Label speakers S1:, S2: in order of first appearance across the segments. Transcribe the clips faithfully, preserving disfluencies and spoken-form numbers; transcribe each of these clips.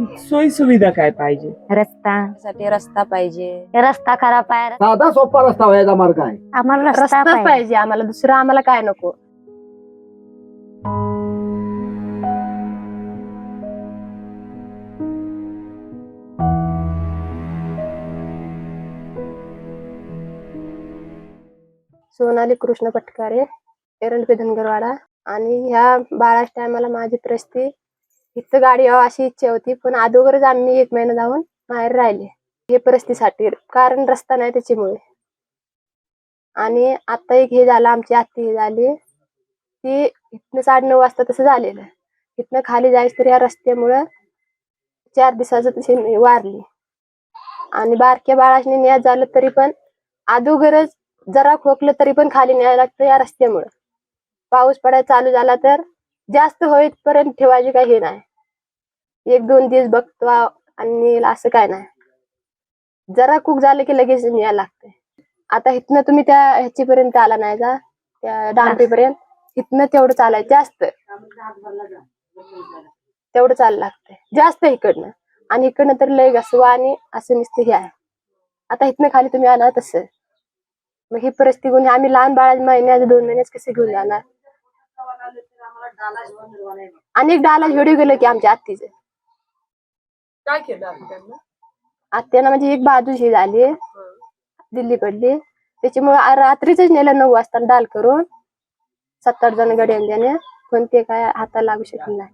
S1: सोयी सुविधा काय पाहिजे?
S2: रस्ता
S3: साठी रस्ता पाहिजे.
S2: रस्ता खराब आहे.
S4: साधा सोपा रस्ता व्हायचा मार्ग आहे.
S2: आम्हाला रस्ता
S5: रस्ताच
S2: पाहिजे.
S5: पाहिजे आम्हाला, दुसरं आम्हाला काय नको. सोनाली कृष्ण पटकारे, एरंडपे धनगरवाडा. आणि ह्या बाळाच्या टायमाला माझी परिस्थिती इथं गाडी यावं अशी इच्छा होती, पण अगोदरच आम्ही एक महिना जाऊन बाहेर राहिले हे परिस्थितीसाठी, कारण रस्ता नाही त्याच्यामुळे. आणि आता एक हे झालं, आमची आत्ती हे झाली ती इथनं साडे नऊ वाजता तसं झालेलं. इथनं खाली जायचं तर या रस्त्यामुळं चार दिवसाचं तशी वारली. आणि बारक्या बाळाने न्याय झालं तरी पण अगोदरच जरा खोकलं तरी पण खाली न्यायला लागतं या रस्त्यामुळं. पाऊस पडायला चालू झाला तर जास्त होईपर्यंत ठेवायचे काही हे नाही, एक दोन दिवस बघतो आणि असं काय नाही, जरा कुक झालं की लगेच न्यायला लागतंय. आता इथनं तुम्ही त्या ह्याचीपर्यंत आला नाही का, त्या डांबरीपर्यंत, इथनं तेवढं चालायचं जास्त, तेवढं चालायला लागतंय जास्त इकडनं. आणि इकडनं तर लय घसवा आणि असं नुसतं हे आहे. आता इथनं खाली तुम्ही आला तसं, मग ही परिस्थिती घेऊन आम्ही लहान बाळा महिन्याचे दोन महिन्याच कसे घेऊन जाणार. आणि एक डाला व्हिडिओ गेलो की आमच्या आत्तीचं,
S1: काय केलं आत्यानं?
S5: आत्यानं म्हणजे एक बाजू ही झाली, दिल्ली पडली, त्याच्यामुळे रात्रीच नेलं नऊ वाजता डाल करून सात आठ जण गड्या त्याने, पण ते काय हाताला लागू शकले नाही.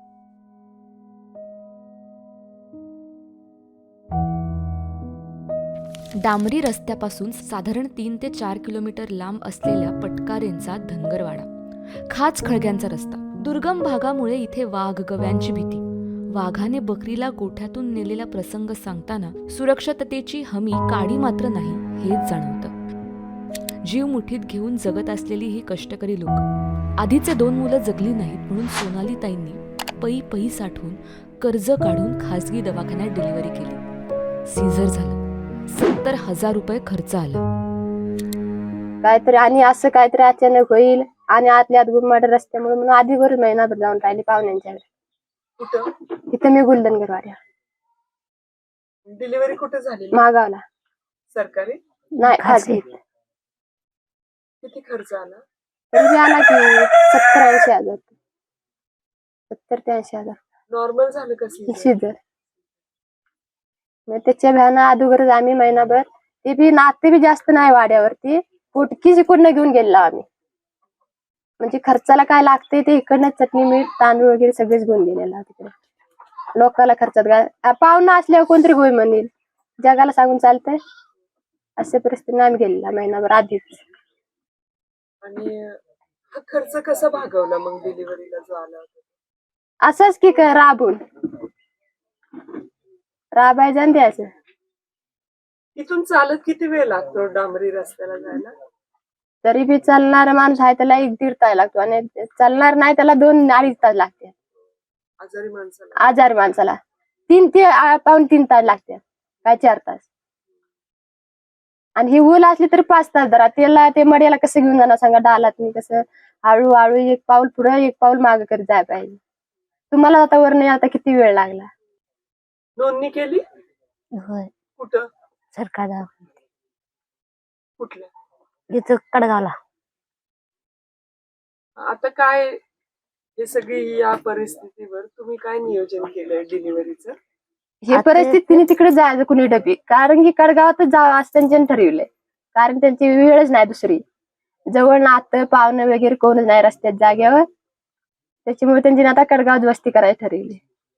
S6: डांबरी रस्त्यापासून साधारण तीन ते चार किलोमीटर लांब असलेल्या पटकारेंचा धनगरवाडा. खाच खळग्यांचा रस्ता. दुर्गम भागामुळे इथे वाघ गव्यांची भीती. वाघाने बकरीला गोठ्यातून नेलेला प्रसंग सांगताना सुरक्षिततेची हमी काडी मात्र नाही हेच जाणवतं. जीव मुठीत घेऊन जगत असलेली ही कष्टकरी लोक. आधीचे दोन मुलं जगली नाहीत म्हणून सोनाली ताईंनी पै पै साठवून कर्ज काढून खासगी दवाखान्यात डिलिव्हरी केली. सीझर झालं. सत्तर हजार रुपये खर्च आला.
S5: काहीतरी आणि असं काहीतरी अचानक होईल आणि आतल्या आत गुरमाड रस्त्यामुळे म्हणून आधी भर महिनाभर जाऊन राहिली पाहुण्यांच्याकडे.
S1: कुठं
S5: इथं मी गुलदनगरवाड्या
S1: डिलिव्हरी कुठे झाली?
S5: मागावला.
S1: सरकारी?
S5: नाही खाजगी.
S1: किती खर्च आला?
S5: तरी आला की सत्तर ऐंशी हजार सत्तर ते ऐंशी हजार
S1: नॉर्मल झालं का सीझर?
S5: सीझर. त्याच्या भ्यानं अगोदरच आम्ही महिनाभर, ते बी नाते बी जास्त नाही वाड्यावरती, फुटकी जिकडनं घेऊन गेलो आम्ही. म्हणजे खर्चाला काय लागते ते इकडनं चटणी मीठ तांदूळ वगैरे सगळेच घेऊन गेलेला तिकडे. लोकाला खर्चात काय पाहुणा असल्यावर कोणतरी होय म्हणेल, जगाला सांगून चालतंय. अशा परिस्थितीने आम्ही गेलेला महिनाभर आधीच.
S1: आणि हा खर्च कसा भागवला मग डिलिव्हरीला जो आला होता?
S5: असंच की काय राबून राबायचं आणि द्यायचं.
S1: इथून चालत किती वेळ लागतो डांबरी रस्त्याला जायला?
S5: तरी बी चालणारा माणूस आहे त्याला एक दीड तास लागतो, आणि चालणार नाही त्याला दोन अडीच तास लागते.
S1: आजारी माणसाला?
S5: आजारी माणसाला तीन ते पाऊन तीन तास लागते, काय चार तास. आणि ही ऊल असली तर पाच तास धरा. त्याला ते मड्याला कसं घेऊन जाणार सांगा, डालात मी कसं हळूहळू एक पाऊल पुढं एक पाऊल मागं करत जाय पाहिजे. तुम्हाला आता वर नाही आता किती वेळ लागला.
S1: नोंदणी केली?
S2: होय.
S6: कुठं?
S2: सरकार दवाखान्यात.
S6: कुठल्या?
S2: इथं कडगावला.
S1: आता काय हे सगळी या परिस्थितीवर तुम्ही काय नियोजन केलंय डिलिव्हरीचं?
S5: ही परिस्थिती तिने तिकडे जायचं कुणी डबी, कारण की कडगावातच जावं असं त्यांच्याने ठरविलंय. कारण त्यांची वेळच नाही दुसरी, जवळ नातं पाहुणं वगैरे कोणच नाही रस्त्यात जाग्यावर, त्याच्यामुळे त्यांची आता कडगावात वस्ती करायची ठरविली.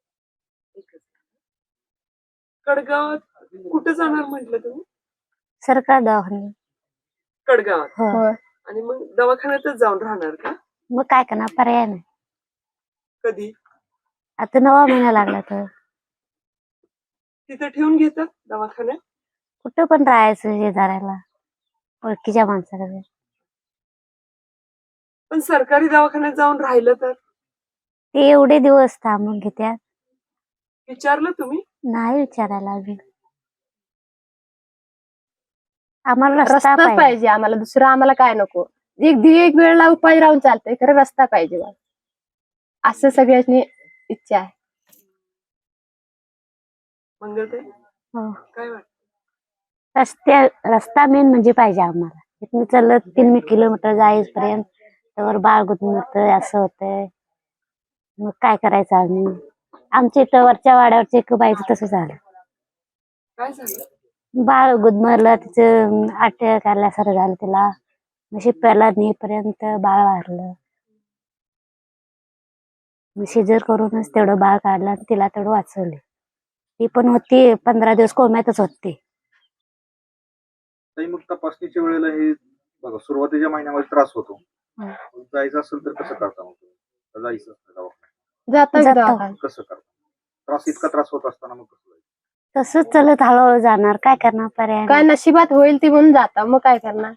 S1: कडगावात कुठे जाणार म्हटलं तुम्ही?
S2: सरकार दवाखान्यात.
S1: कडगावात?
S2: हो.
S1: आणि मग दवाखान्यातच जाऊन राहणार का?
S2: मग काय करणार, पर्याय नाही.
S1: कधी?
S2: आता नवा महिना लागला तर
S1: तिथे ठेवून घेतात दवाखान्यात?
S2: कुठं पण राहायचं शेजाऱ्याला, ओळखीच्या माणसाकडे.
S1: पण सरकारी दवाखान्यात जाऊन राहिलं तर?
S2: ते एवढे दिवस थांबून घेत्यात.
S1: विचारलं तुम्ही?
S2: नाही विचारायला अजून. आम्हाला रस्ता
S5: रस्ताच
S2: पाहिजे.
S5: पाहिजे आम्हाला, दुसरं आम्हाला काय नको. एक एक वेळेला उपाय राहून चालतंय, खरं रस्ता पाहिजे असं सगळ्यांनी इच्छा आहे.
S1: मंगलताई
S2: हो.
S1: काय वाटतं?
S2: रस्ते रस्ता मेन म्हणजे पाहिजे आम्हाला. इथून चालत तीन किलोमीटर जाईपर्यंत त्यावर बाळ गुदमरतं असं होतंय. मग काय करायचं आम्ही? आमच्या इथं वरच्या वाड्यावरच्या एक बाईचं तसं झालं.
S1: काय झालं?
S2: बाळ गुदमरलं, तिचं अटॅक आल्यासारखं झालं तिला. शिप्याला नेईपर्यंत बाळ वारलं. सिजर करूनच तेवढं बाळ काढलं आणि तिला तेवढं वाचवले. ती पण होती पंधरा दिवस कोम्यातच होती.
S3: ताई, मग तपासणीच्या वेळेला हे बघा सुरुवातीच्या महिन्यामध्ये त्रास होतो. जायचं असेल तर कसं करता मग तुम्ही? का जायचं असतं दवाखान्यात?
S5: जातो
S2: जातो.
S5: दवाखान्यात.
S3: कसं करता? त्रास इतका त्रास होत असताना मग कसं जायचं?
S2: तसंच चालत हळूहळू जाणार, काय करणार, पर्याय
S5: काय
S2: नाही.
S5: नशिबात होईल ती म्हणून जाता, मग काय करणार.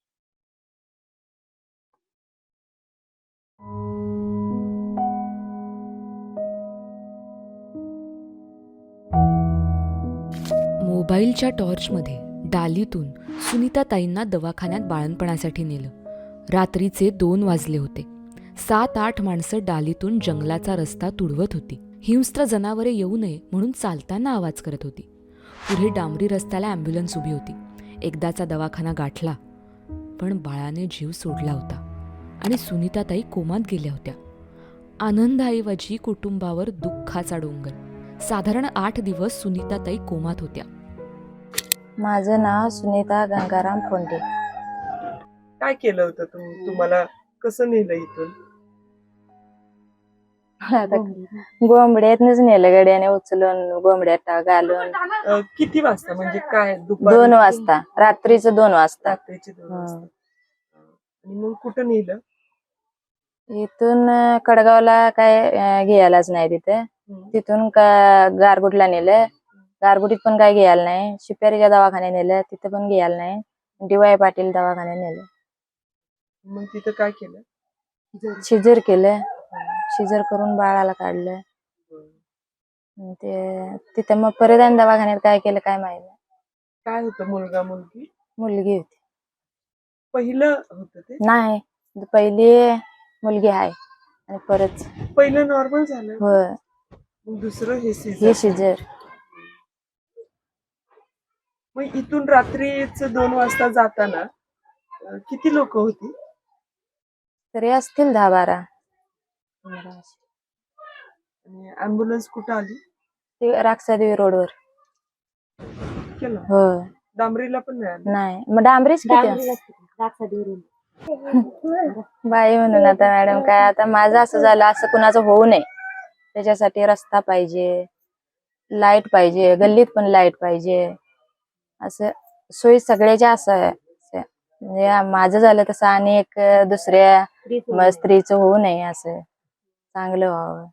S6: मोबाईलच्या टॉर्चमध्ये डालीतून सुनीताताईंना दवाखान्यात बाळणपणासाठी नेलं. रात्रीचे दोन वाजले होते. सात आठ माणसं डालीतून जंगलाचा रस्ता तुडवत होती. हिंस्त्र जनावरे येऊ नये म्हणून चालताना आवाज करत होती. पुढे डांबरी रस्त्याला ॲम्ब्युलन्स उभी होती. एकदाचा दवाखाना गाठला, पण बाळाने जीव सोडला होता आणि सुनीताताई कोमात गेल्या होत्या. आनंदाऐवजी कुटुंबावर दुःखाचा डोंगर. साधारण आठ दिवस सुनीताताई कोमात होत्या.
S7: माझं नाव सुनीता गंगाराम फोंडे.
S1: काय केलं होतं तुम्ही? तुम्हाला कसं नेलं इथून?
S7: आता गोंबड्यातनच नेलं, गड्याने उचलून गोंबड्यात टा- घालून.
S1: अं, किती वाजता म्हणजे काय? दुपारी?
S7: दोन वाजता, रात्रीचं दोन वाजता.
S1: रात्रीचे दोन
S7: हं.
S1: वाजता. आणि मग कुठं नेलं?
S7: इथून अं, कडगावला काय अं, घ्यायलाच नाही तिथे.
S1: हं.
S7: तिथून का गारगुटला नेलं. गारगुटीत पण काय घ्यायला नाही. शिप्यारीच्या दवाखान्यात नेलं, तिथे पण घ्यायला नाही. डी वाय पाटील दवाखान्यात नेलं.
S1: मग तिथं काय केलं?
S7: शिजर केलं. शिजर करून बाळाला काढलं.
S1: हं.
S7: आणि ते तिथे मग परत आणि दवाखान्यात काय केलं काय माहिती नाही.
S1: काय होतं? मुलगा मुलगी?
S7: मुलगी होती.
S1: पहिलं होतं ते?
S7: नाही, पहिली मुलगी आहे आणि परत
S1: पहिलं नॉर्मल झालं,
S7: होय,
S1: मग दुसरं हे
S7: हे
S1: सीझर.
S7: शिजर.
S1: मग इथून रात्रीच दोन वाजता जाताना अं, किती लोक होती?
S7: तरी असतील दहा बारा.
S1: आणि ऍम्ब्युलन्स कुठं आली?
S7: ते राक्षादेवी रोडवर.
S1: केलं
S7: होय,
S1: डांबरीला पण नाही आली?
S7: नाही मग डांबरीच किती बाई म्हणून. आता मॅडम काय, आता माझं असं झालं, असं कुणाचं होऊ नये त्याच्यासाठी रस्ता पाहिजे, लाईट पाहिजे, गल्लीत पण लाईट पाहिजे, असं सोयी सगळ्याच्या असं आहे. असं म्हणजे माझं झालं तसं आणि एक दुसऱ्या म- स्त्रीचं होऊ नये, असं चांगलं व्हावं.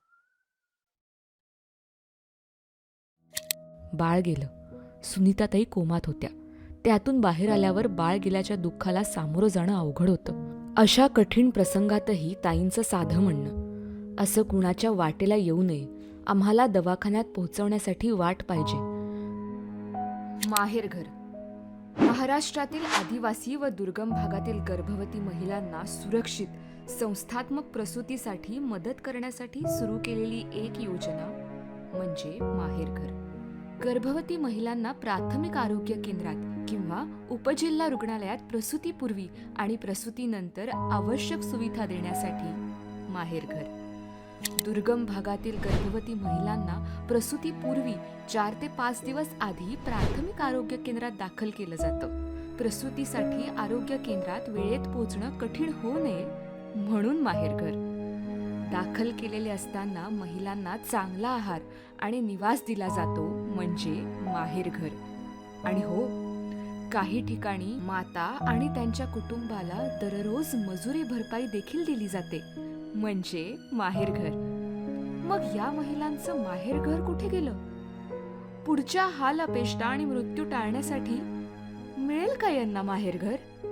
S6: बाळ गेलं. सुनीताताई कोमात होत्या. त्यातून बाहेर आल्यावर बाळ गेल्याच्या दुःखाला सामोरं जाणं अवघड होतं. अशा कठीण प्रसंगातही ताईंचं साधं म्हणणं, असं कुणाच्या वाटेला येऊ नये, आम्हाला दवाखान्यात पोहोचवण्यासाठी वाट पाहिजे. माहेरघर. महाराष्ट्रातील आदिवासी व दुर्गम भागातील गर्भवती महिलांना सुरक्षित संस्थात्मक प्रसूतीसाठी मदत करण्यासाठी सुरू केलेली एक योजना म्हणजे माहेरघर. गर्भवती महिलांना प्राथमिक आरोग्य केंद्रात किंवा उपजिल्हा रुग्णालयात प्रसूतीपूर्वी आणि प्रसूतीनंतर आवश्यक सुविधा देण्यासाठी माहेरघर. दुर्गम भागातील गर्भवती महिलांना प्रसूतीपूर्वी चार ते पाच दिवस आधी प्राथमिक आरोग्य केंद्रात दाखल केलं जातं. प्रसूतीसाठी आरोग्य केंद्रात वेळेत पोहोचणं कठीण होऊ नये म्हणून माहेरघर. दाखल केलेले असताना महिलांना चांगला आहार आणि निवास दिला जातो म्हणजे माहेरघर. आणि हो, काही ठिकाणी माता आणि त्यांच्या कुटुंबाला दररोज मजुरी भरपाई देखील दिली जाते म्हणजे माहेरघर. मग या महिलांचं माहेरघर कुठे गेलं? पुढच्या हाल अपेष्टा आणि मृत्यू टाळण्यासाठी मिळेल का यांना माहेरघर?